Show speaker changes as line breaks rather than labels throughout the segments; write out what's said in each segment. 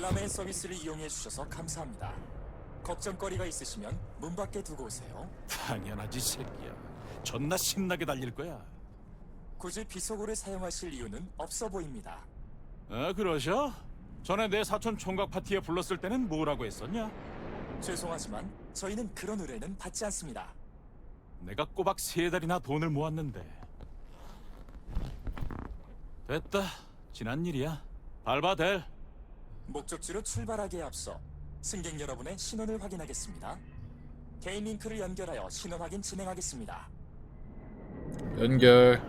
델라메인 서비스를 이용해 주셔서 감사합니다. 걱정거리가 있으시면 문 밖에 두고 오세요.
당연하지 새끼야. 존나 신나게 달릴 거야.
굳이 비속어를 사용하실 이유는 없어 보입니다.
그러셔? 전에 내 사촌 총각 파티에 불렀을 때는 뭐라고 했었냐?
죄송하지만 저희는 그런 의뢰는 받지 않습니다.
내가 꼬박 3달이나 돈을 모았는데. 됐다. 지난 일이야. 밟아 댈.
목적지로 출발하기에 앞서 승객 여러분의 신원을 확인하겠습니다. 개인 링크를 연결하여 신원 확인 진행하겠습니다.
연결.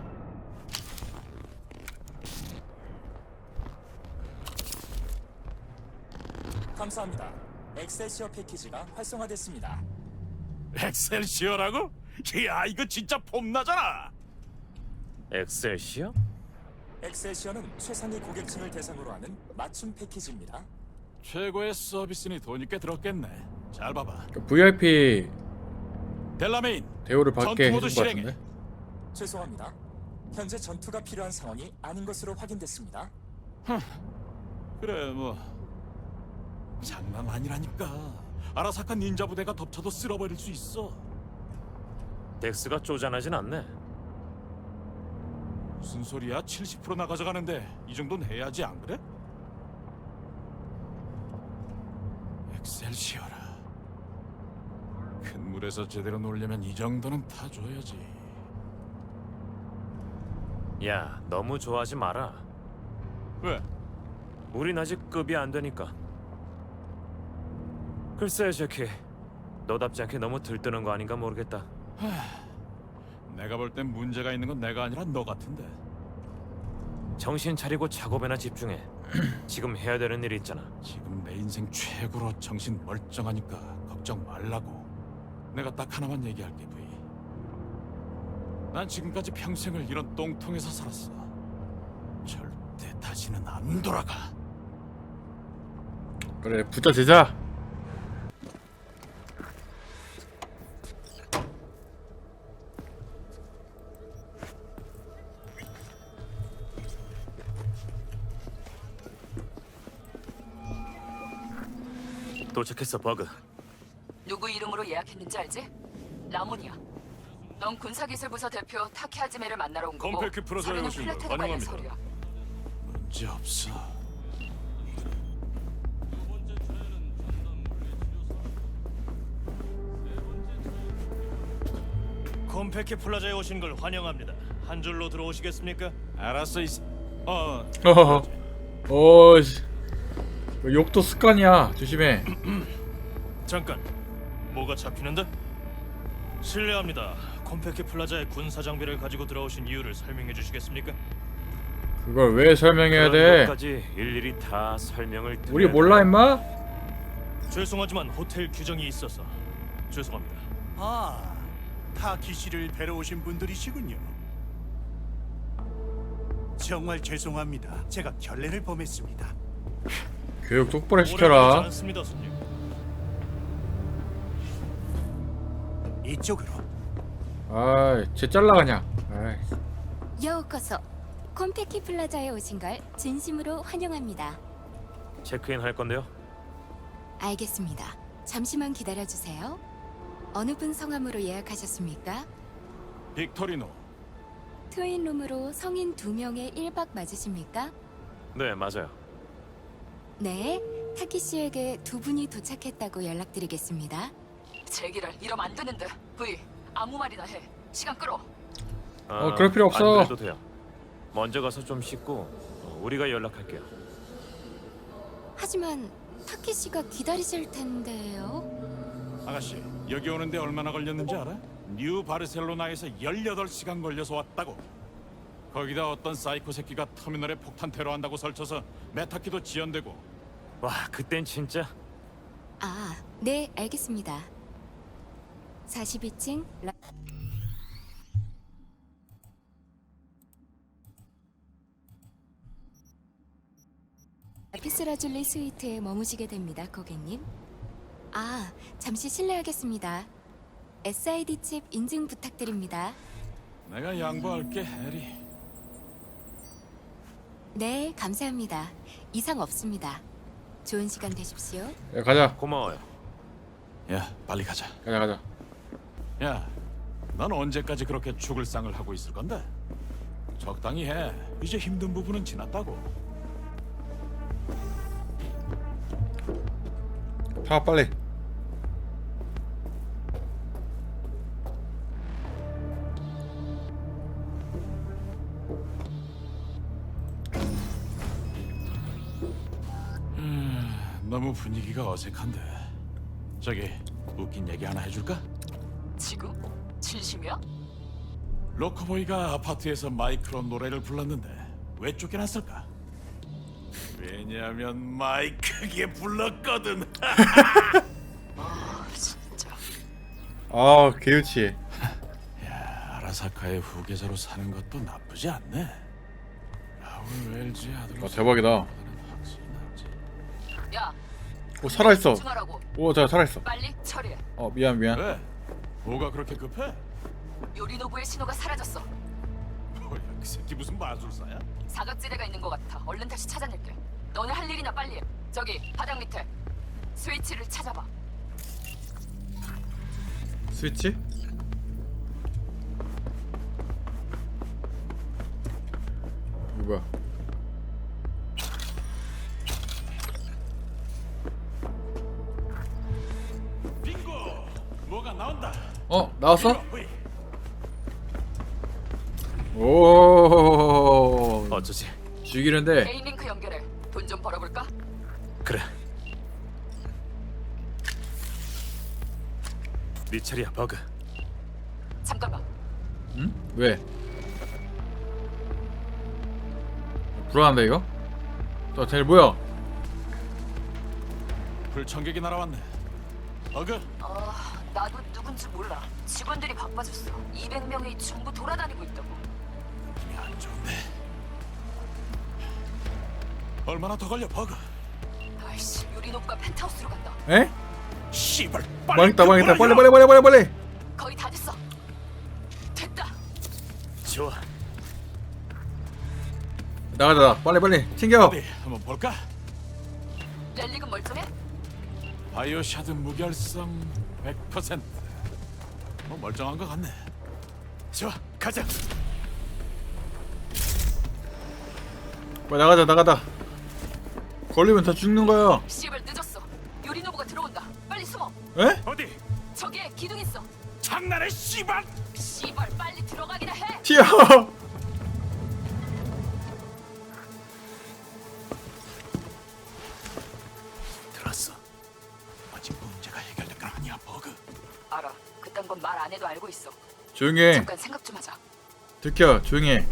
감사합니다. 엑셀시어 패키지가 활성화됐습니다.
엑셀시어라고? 야 이거 진짜 폼나잖아.
엑셀시어?
엑셀시어는 최상위 고객층을 대상으로 하는 맞춤 패키지입니다.
최고의 서비스니 돈이 꽤 들었겠네. 잘 봐봐.
VIP
델라메인
대우를 받게
전투 모드
해준 것
실행해.
같은데.
죄송합니다. 현재 전투가 필요한 상황이 아닌 것으로 확인됐습니다.
그래 뭐 장난 아니라니까. 아라사카 닌자 부대가 덮쳐도 쓸어버릴 수 있어.
덱스가 쪼잔하진 않네.
무슨 소리야? 70%나 가져가는데 이 정도는 해야지 안 그래? 엑셀시어라. 큰 물에서 제대로 놀려면 이 정도는 타줘야지.
야, 너무 좋아하지 마라.
왜?
우린 아직 급이 안 되니까. 글쎄, 제키. 너답지 않게 너무 들뜨는 거 아닌가 모르겠다.
내가 볼 땐 문제가 있는 건 내가 아니라 너 같은데.
정신 차리고 작업에나 집중해. 지금 해야 되는 일이 있잖아.
지금 내 인생 최고로 정신 멀쩡하니까 걱정 말라고. 내가 딱 하나만 얘기할게, 부이. 난 지금까지 평생을 이런 똥통에서 살았어. 절대 다시는 안 돌아가.
그래, 부자 제자.
도착했어, 버그.
누구 이름으로 예약했는지 알지? 라몬이야. 넌 군사기술부서 대표 타케 하지메를 만나러 온 거고
컴팩트 프로젝트에
서류는
오신 걸
플래테르 관련
환영합니다.
서류야.
문제 없어.
콤페키 플라자에 오신 걸 환영합니다. 한 줄로 들어오시겠습니까?
알았어,
어허허. 오, 씨. 욕도 습관이야. 조심해.
잠깐, 뭐가 잡히는데? 실례합니다. 콤페키 플라자에 군사 장비를 가지고 들어오신 이유를 설명해 주시겠습니까?
그걸 왜 설명해야
그런
돼?
것까지 일일이 다 설명을 드려야
우리 몰라,
돼.
임마?
죄송하지만 호텔 규정이 있어서 죄송합니다.
아, 타키 씨를 뵈러 오신 분들이시군요. 정말 죄송합니다. 제가 결례를 범했습니다.
교육 똑바로
오래 걸리지
시켜라.
않습니다, 손님.
이쪽으로.
아이, 쟤 잘라가냐. 아이.
여우커서 콤페키 플라자에 오신 걸 진심으로 환영합니다.
체크인 할 건데요.
알겠습니다. 잠시만 기다려주세요. 어느 분 성함으로 예약하셨습니까?
빅토리노.
트윈룸으로 성인 2명의 1박 맞으십니까?
네, 맞아요.
네, 타키 씨에게 2분이 도착했다고 연락드리겠습니다.
제기를 이러면 안 되는데. 브이, 아무 말이나 해. 시간 끌어.
그럴 필요 없어.
안 그래도 돼요. 먼저 가서 좀 씻고 우리가 연락할게요.
하지만 타키 씨가 기다리실 텐데요.
아가씨, 여기 오는데 얼마나 걸렸는지 알아? 뉴 바르셀로나에서 18시간 걸려서 왔다고. 거기다 어떤 사이코 새끼가 터미널에 폭탄 테러한다고 설쳐서 메타키도 지연되고.
와, 그땐 진짜
아, 네, 알겠습니다. 42층 라피스라줄리 스위트에 머무시게 됩니다, 고객님. 아, 잠시 실례하겠습니다. SID 칩 인증 부탁드립니다.
내가 양보할게, 해리.
네, 감사합니다. 이상 없습니다. 좋은 시간 되십시오.
야, 가자.
고마워요.
야, 빨리 가자.
가자.
야, 넌 언제까지 그렇게 죽을 상을 하고 있을 건데? 적당히 해. 이제 힘든 부분은 지났다고.
타 빨리.
너무 분위기가 어색한데. 저기 웃긴 얘기 하나 해줄까?
지금? 진심이야?
로커보이가 아파트에서 마이크로 노래를 불렀는데 왜 쫓겨났을까? 왜냐면 마이크게 불렀거든.
아 진짜.
아, 개유치해.
야, 아라사카의 후계자로 사는 것도 나쁘지 않네. 라울 웰즈 아들로.
대박이다.
야
오, 살아있어.
집중하라고.
오, 자, 살아있어.
빨리 처리해.
미안.
왜? 뭐가 그렇게 급해?
요리노부의 신호가 사라졌어.
뭐야, 그 새끼 무슨 마술사야?
사각지대가 있는 것 같아. 얼른 다시 찾아낼게. 너네 할 일이나 빨리 해. 저기 바닥 밑에 스위치를 찾아봐.
스위치? 이거 뭐야?
빙고! 뭐가 나온다.
나왔어?
보이.
오,
어쩌지?
죽이는데.
개인 링크 연결해. 돈 좀 벌어볼까?
그래. 네 차례야, 버그.
잠깐만.
응? 왜? 불안한데 이거? 또 쟤 뭐야?
불청객이 날아왔네. 어그,
나도 누군지 몰라. 직원들이 바빠졌어. 200명이 전부 돌아다니고 있다고.
힘이 안 좋네. 얼마나 더 걸려, 버그?
아이씨, 요리노부가 펜트하우스로 간다.
에?
씨발,
망했다.
그
빨리.
거의 다 됐어. 됐다.
좋아.
나가자. 빨리. 챙겨.
어디 한번 볼까?
렐릭은 멀쩡해?
바이오샤드 무결성 100%. 뭐 멀쩡한 것 같네. 좋아, 가자.
빨리 나가자. 걸리면 다 죽는 거야.
씨발 늦었어. 요리노부가 들어온다. 빨리 숨어.
에?
어디?
저기에 기둥 있어.
장난해, 씨발!
씨발 빨리 들어가기나 해.
튀어.
들었어. 아직 문제가 해결된 건 아니야, 버그.
알아. 그딴 건 말 안 해도 알고 있어.
조용히 해.
잠깐 생각 좀 하자.
들켜. 조용히 해.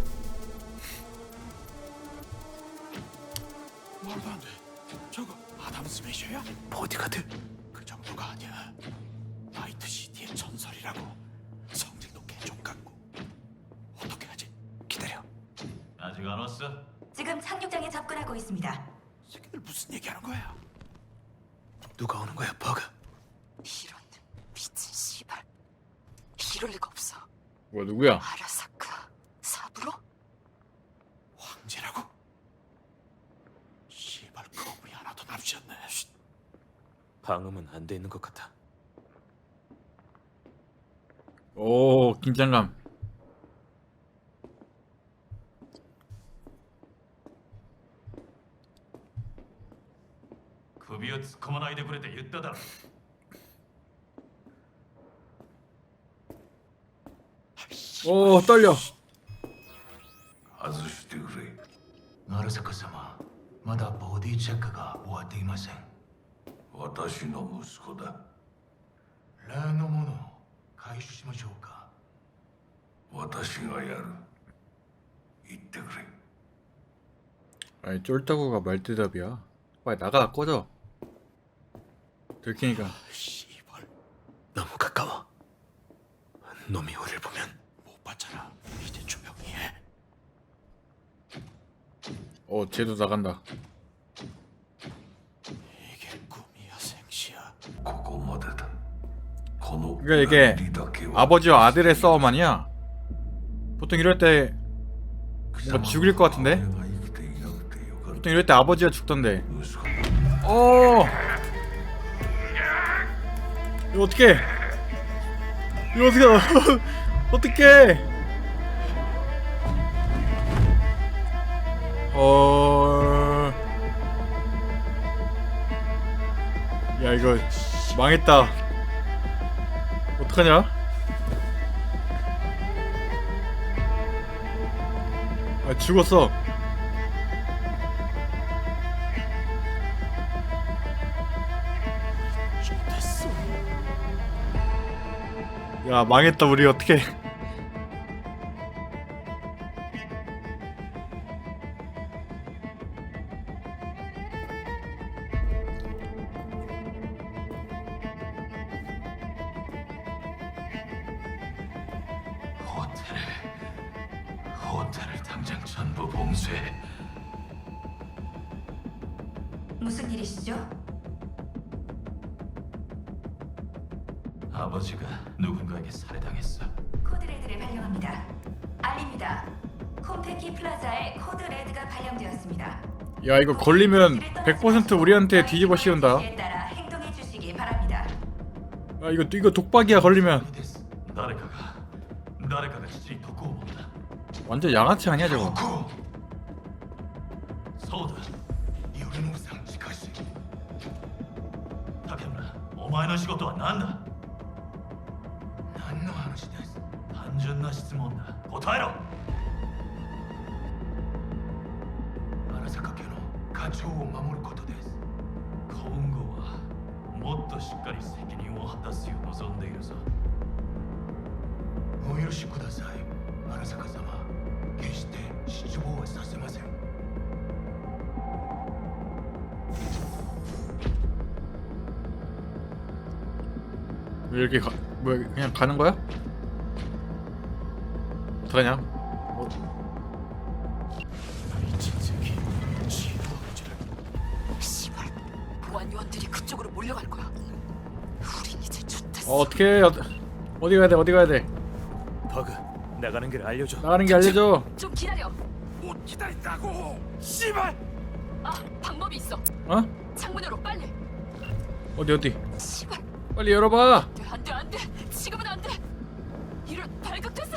말도 안 돼. 저거 아담 스매셔야?
보디가드?
그 정도가 아니야. 나이트 시티의 전설이라고. 성질도 개좀 같고. 어떻게 하지? 기다려.
아직 안 왔어?
지금 착륙장에 접근하고 있습니다.
새끼들 무슨 얘기하는 거야?
누가 오는 거야, 버그?
이런 미친 씨발. 이럴 리가 없어.
뭐야, 누구야?
아라사카 사부로?
황제라고? 씨발, 거부이 하나도 남지 않네.
방음은 안 돼 있는 것 같아.
오, 긴장감.
首を突っ込まないでくれて言っただろ。
오, 떨려.
外してくれ。アラサカ様、まだボディチェックが終わっていません。私の息子だ。例のものを回収しましょうか。私がやる。言ってくれ。
아니, 쫄따구가 말대답이야. 빨리 나가, 꺼져. 들키니까.
씨발,
너무 가까워. 놈이 우리를 보면
못 봤잖아. 이제 조용히 해.
쟤도 나간다.
이게 꿈이야, 생시야.
ここまでだ。この
그러니까 이게
槍だけは
아버지와 아들의 싸움 아니야? 보통 이럴 때 뭔가 죽일 것 같은데?
俺が生きていなくてよかっ
보통 이럴 때 아버지가 죽던데.
た息子
이거 어떻게? 이거 어떻게? 어떻게? 야 이거 망했다. 어떡하냐? 아 죽었어. 야 망했다 우리 어떡해.
호텔을 당장 전부 봉쇄해.
무슨 일이시죠?
아버지가 누군가에게 살해당했어.
코드레드를 발령합니다. 알립니다. 콤페키 플라자에 코드레드가 발령되었습니다.
야 이거 걸리면 100% 우리한테 뒤집어 씌운다.
에 따라 행동해 주시기 바랍니다.
야 이거 독박이야 걸리면.
誰かが父に毒を持った。
완전 양아치 아니야 저거.
そうだ。頼信さん近し。竹村、お前の仕事は何だ。何の話です。単純な質問だ。答えろ。荒坂家の課長を守ることです。今後はもっとしっかり責任を果たすよう望んでいるぞ。お許しください、荒坂様。決して失望はさせません。
왜 이렇게 뭐 그냥 가는 거야? 어떡하냐?
씨발, 보안 요원들이 그쪽으로 몰려갈 거야. 우린 이제 좋댔어.
어떻게 어디 가야 돼? 어디 가야 돼?
버그, 나가는 길 알려줘.
나가는 게 알려줘.
좀 기다려.
못 기다린다고. 씨발.
아, 방법이 있어.
어?
창문으로 빨리.
어디?
씨발,
빨리 열어봐.
안 돼. 지금은 안 돼. 이런 발각됐어.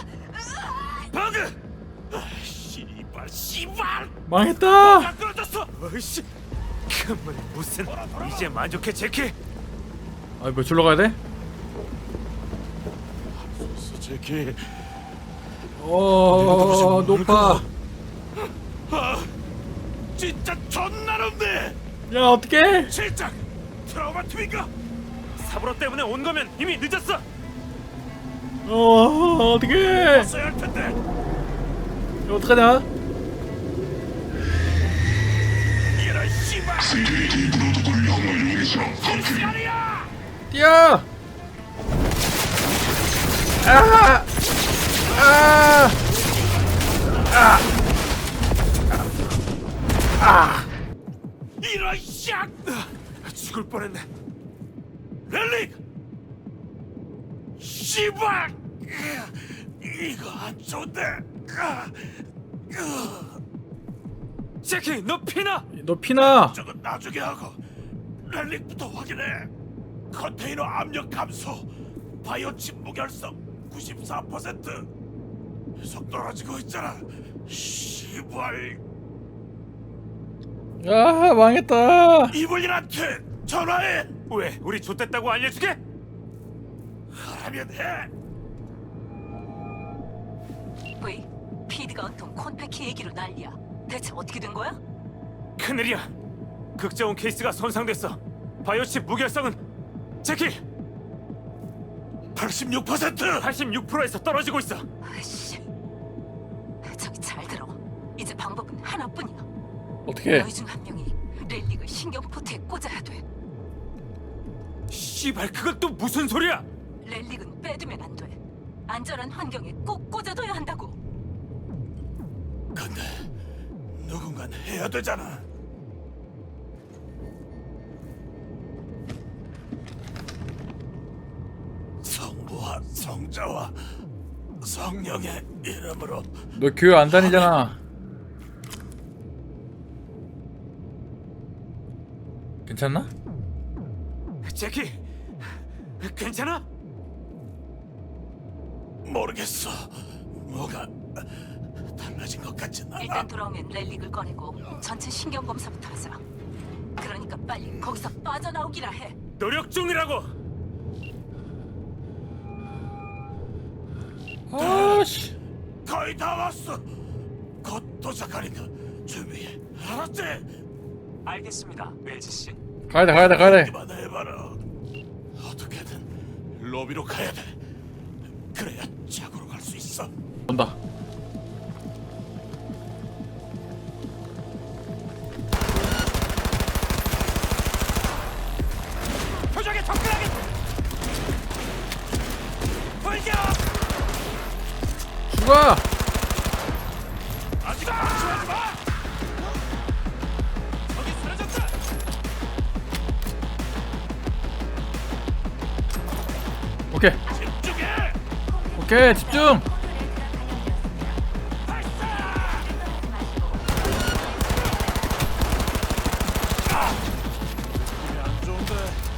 버그. 씨발.
망했다.
끌어졌어.
어이씨, 그만 무슨? 이제 만족해 제키?
아, 뭐 줄러 가야 돼?
제키.
높아.
진짜 존나 높네.
야, 어떡해?
실장. 트라우마 트윈가.
사브로 때문에 온 거면 이미 늦었어.
어떡해?
써야 할 텐데.
이거 어떡하냐?
이런 씨발. 실시간이야.
뛰어!
이런 샥. 죽을 뻔했네. 렐릭. 씨발. 이거 안 좋은데.
제키, 너 피나?
너 피나?
저건 나중에 하고 렐릭부터 확인해. 컨테이너 압력 감소, 바이오칩 무결성 94%. 계속 떨어지고 있잖아. 씨발.
야, 망했다.
이블린한테 전화해.
왜? 우리 좆됐다고 알려주게?
하라면 해.
왜? 피드가 온통 콘페키 얘기로 난리야. 대체 어떻게 된 거야?
큰일이야. 극자원 케이스가 손상됐어. 바이오칩 무결성은 제키
86%.
86%에서 떨어지고 있어.
아이씨. 저기 잘 들어. 이제 방법은 하나뿐이야.
어떻게?
너희 중 한 명이 렐릭을 신경포트에 꽂아야 돼.
씨발, 그건 또 무슨 소리야?
렐릭은 빼두면 안 돼. 안전한 환경에 꼭 꽂아둬야 한다고.
근데 누군간 해야 되잖아. 성부와 성자와 성령의 이름으로.
너 교회 안 다니잖아. 괜찮나?
제키, 괜찮아?
모르겠어. 뭐가 달라진 것 같진 않아.
일단 돌아오면 렐릭을 꺼내고 전체 신경 검사부터 하자. 그러니까 빨리 거기서 빠져나오기라 해.
노력 중이라고.
아씨.
거의 다 왔어. 곧 도착하니까 준비해. 알았지?
알겠습니다, 웰즈 씨.
가야돼 가야돼 가야돼.
이만 해봐라. 어떻게든 로비로 가야 돼. 그래야 자고로 갈 수 있어.
온다.
표적에 접근하게. 돌격.
죽어.
아직 방심하지 마. 저기 쓰러졌다.
오케이
집중해.
오케이 집중.
안 좋은데.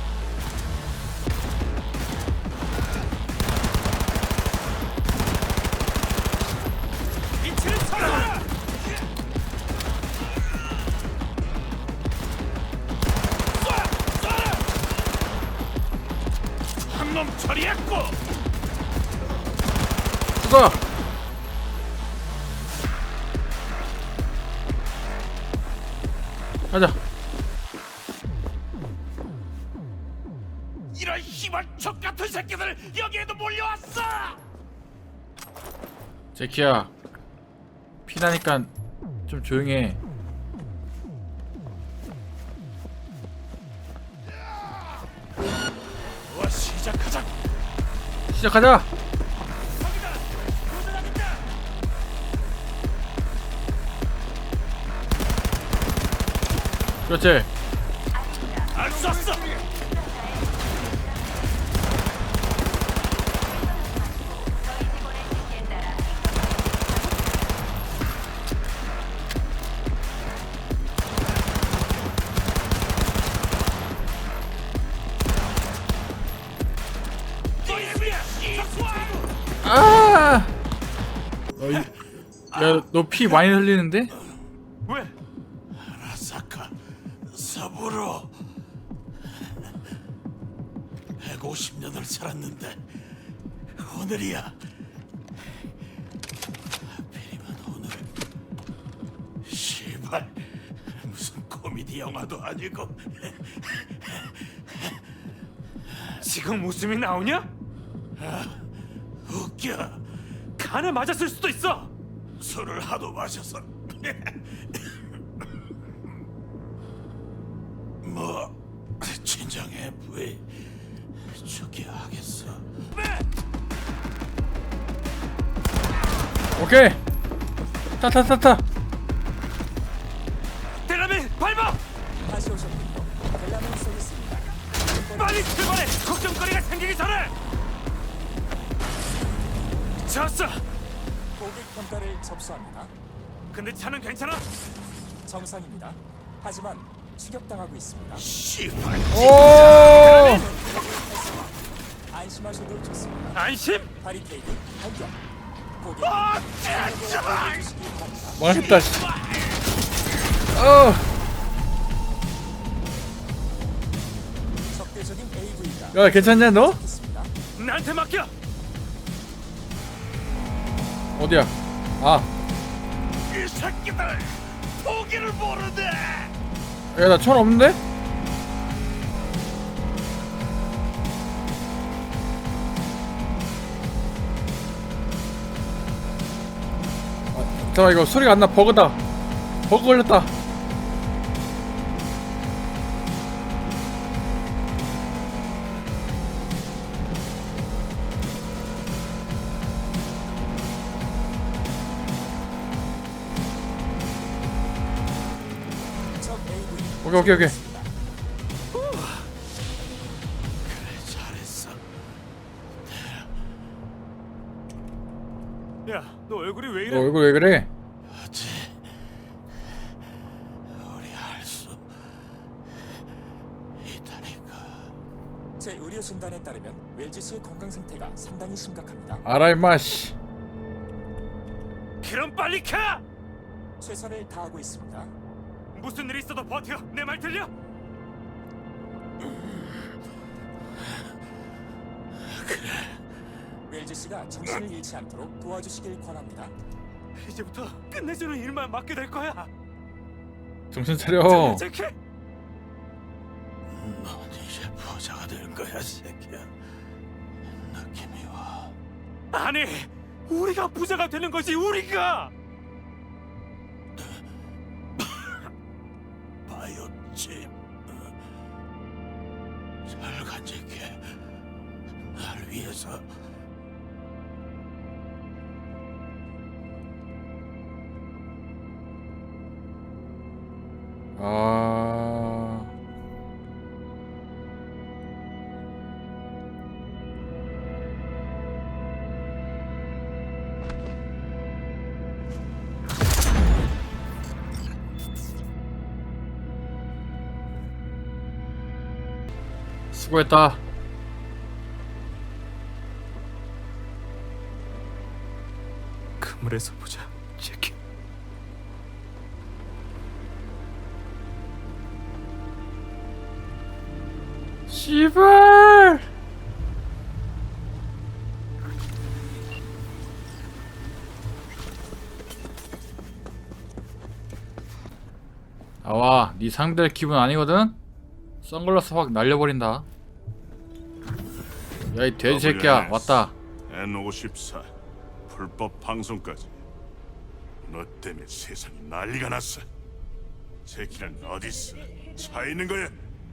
위치를 찾아라.
한 놈 처리했고.
죽어. 가자.
이런 희망 척 같은 새끼들 여기에도 몰려왔어.
제키야. 피나니까 좀 조용해.
와 시작하자.
시작하자. 그렇지.
안 쐈어.
아! 야, 너 피 많이 흘리는데?
왜?
아사카 사부로 150년을 살았는데 오늘이야. 하필이면 오늘. 시발 무슨 코미디 영화도 아니고.
지금 웃음이 나오냐?
웃겨.
간에 맞았을 수도 있어.
술을 하도 마셔서. 뭐 진정해 부이. 죽게 하겠어.
오케이. 타타타타.
대라민 밟아.
다시 오셨군요. 벨라멘 쏘겠습니다.
빨리 출발해. 걱정거리가 생기기 전에. 졌어.
고객 평가를 접수합니다.
근데 차는 괜찮아?
정상입니다. 하지만 추격당하고 있습니다.
시발.
오!
안심하셔도 좋습니다.
안심?
바리케이드 발견. 고객
제발.
주시기 바랍니다.
망했다. 씨. 어.
적대적인 AV가
야, 괜찮냐 너?
있습니다.
나한테 맡겨.
어디야? 아.
이 새끼들 포기를 모르네.
야, 나 천 없는데? 잠깐만, 이거 소리가 안 나. 버그다. 버그 걸렸다.
적 AV
오케이 오케이 오케이.
잘했어.
야, 너 얼굴이 왜 이래?
너 얼굴 왜 그래?
어째 우리 할 수
새 의료 진단에 따르면 웰지 씨의 건강 상태가 상당히 심각합니다.
알아 임마 씨.
그럼 빨리 가!
최선을 다하고 있습니다.
무슨 일 있어도 버텨. 내 말 들려?
웰지 씨가 정신을 잃지 않도록 도와주시길 권합니다.
이제부터 끝내주는 일만 맡게 될 거야.
정신 차려.
제키.
넌 이제 부자가 될 거야, 새끼야. 느낌이 와.
아니, 우리가 부자가 되는 거지. 우리가.
바이오칩. 잘 간직해. 날 위해서.
아. 수고했다.
그물에서 보자, 제키.
씨발. 나와. 네 상대할 기분 아니거든? 선글라스 확 날려버린다. 야 이 돼지 새끼야 왔다.
N54 불법 방송까지. 너 때문에 세상이 난리가 났어. 제키는 어딨어? 차 있는 거야?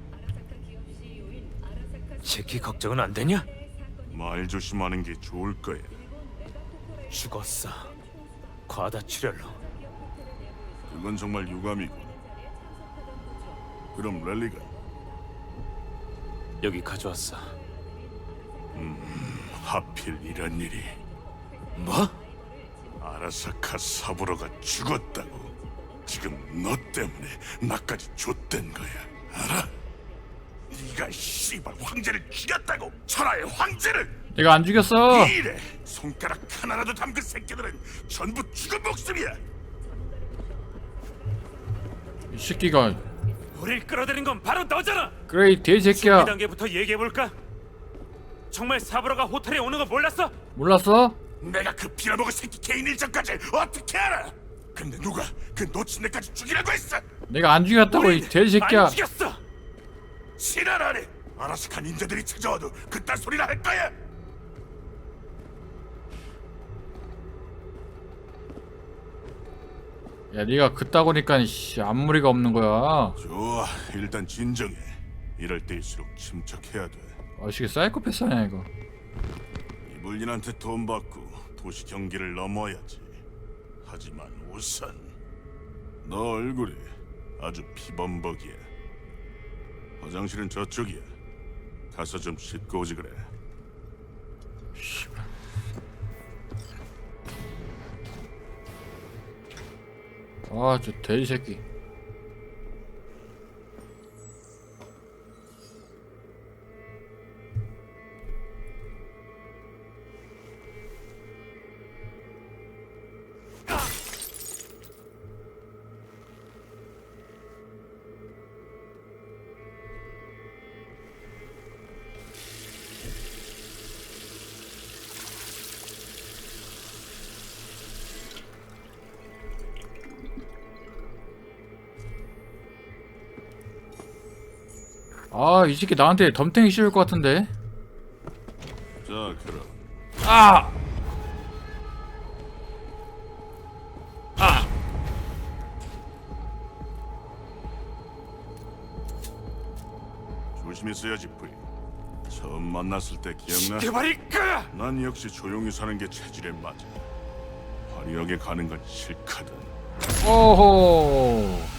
제키 걱정은 안 되냐?
말 조심하는 게 좋을 거야.
죽었어. 과다출혈로.
그건 정말 유감이고. 그럼 랠리가
여기 가져왔어.
하필 이런 일이.
뭐?
아라사카 사부로가 죽었다고. 지금 너 때문에 나까지 좆된 거야. 알아? 네가 씨발 황제를 죽였다고. 천하의 황제를.
내가 안 죽였어.
이래 손가락 하나라도 담근 새끼들은 전부 죽은 목숨이야.
이 새끼가.
우릴 끌어들인 건 바로 너잖아.
그래 이 돼지 새끼야.
2단계부터 얘기해볼까? 정말 사부로가 호텔에 오는 거 몰랐어?
몰랐어?
내가 그 빌어먹을 새끼 개인 일정까지 어떻게 알아? 근데 누가 그 놓친 애까지 죽이라고 했어?
내가 안 죽였다고 이 돼지 새끼야.
안 죽였어.
지랄하네. 아라스카 닌자들이 찾아와도 그딴 소리나 할 거야.
야 네가 그따구니까 씨 앞무리가 없는 거야.
좋아, 일단 진정해. 이럴 때일수록 침착해야 돼.
아씨 사이코패스 아니야 이거.
이불린한테 돈 받고 도시 경계를 넘어야지. 하지만 우선 너 얼굴이 아주 피범벅이야. 화장실은 저쪽이야. 가서 좀 씻고 오지 그래.
아 저 돼지 새끼. 아, 이 새끼 나한테 덤탱이 씌울 것 같은데.
자, 그럼
아!
조심했어야지, 부인. 처음 만났을 때 기억나?
개발일까?
난 역시 조용히 사는 게 체질에 맞아. 화려하게 가는 건 싫거든.
오호.